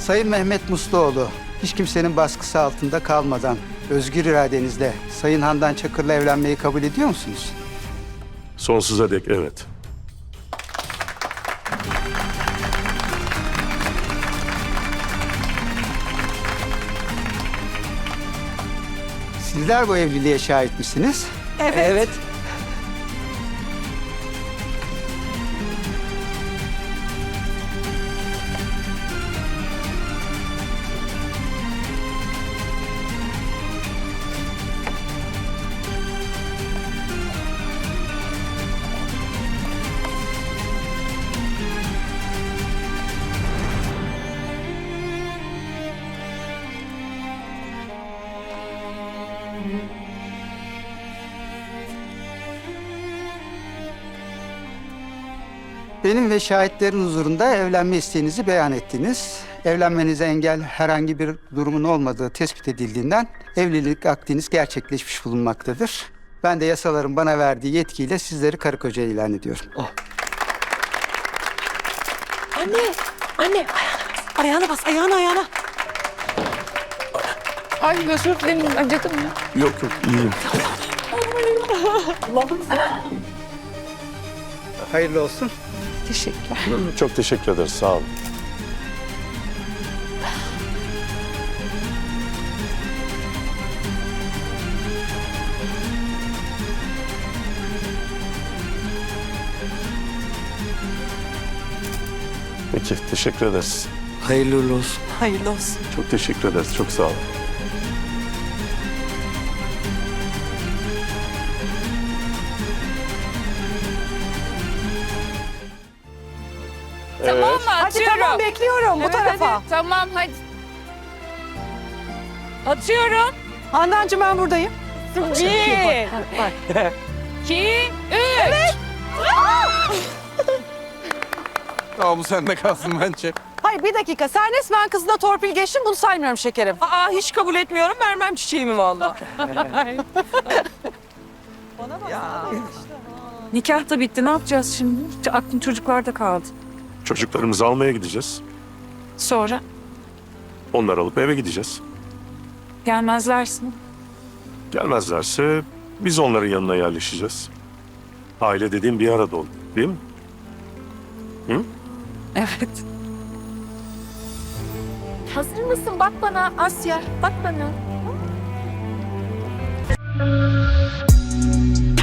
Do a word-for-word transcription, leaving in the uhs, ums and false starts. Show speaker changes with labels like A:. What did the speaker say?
A: Sayın Mehmet Musluoğlu, hiç kimsenin baskısı altında kalmadan özgür iradenizle Sayın Handan Çakır'la evlenmeyi kabul ediyor musunuz?
B: Sonsuza dek evet.
A: Sizler bu evliliğe şahit misiniz?
C: Evet.
D: Evet.
A: Benim ve şahitlerin huzurunda evlenme isteğinizi beyan ettiniz. Evlenmenize engel herhangi bir durumun olmadığı tespit edildiğinden evlilik akdiniz gerçekleşmiş bulunmaktadır. Ben de yasaların bana verdiği yetkiyle sizleri karı koca ilan ediyorum.
C: Anne, anne ayağına bas, ayağına ayağına.
E: Ay özür dilerim, acıdım ya.
B: Yok yok iyiyim.
A: Hayırlı olsun.
E: Teşekkürler.
B: Çok teşekkür ederiz sağ olun. Peki teşekkür ederiz.
D: Hayırlı uğurlu olsun.
C: Hayırlı olsun.
B: Çok teşekkür ederiz. Çok sağ olun.
E: Tamam mı?
C: Hadi
E: Atıyorum.
C: tamam, bekliyorum bu
E: Evet,
C: tarafa.
E: hadi. Tamam hadi. Atıyorum.
C: Handancığım ben buradayım.
E: Bir,
C: Bak.
E: iki, üç.
D: Aa, bu sende kalsın bence.
C: Hayır bir dakika, sen resmen kızına torpil geçtin, bunu saymıyorum şekerim. Aa hiç kabul etmiyorum, vermem çiçeğimi vallahi.
F: Nikah da bitti. Ne yapacağız şimdi? Aklım çocuklarda kaldı.
B: Çocuklarımızı almaya gideceğiz.
F: Sonra
B: Onları alıp eve gideceğiz.
F: gelmezlerse.
B: Gelmezlerse biz onların yanına yerleşeceğiz. Aile dediğim bir arada olur, değil mi? Hı?
F: Evet.
E: Hazır mısın? Bak bana Asya. Bak bana.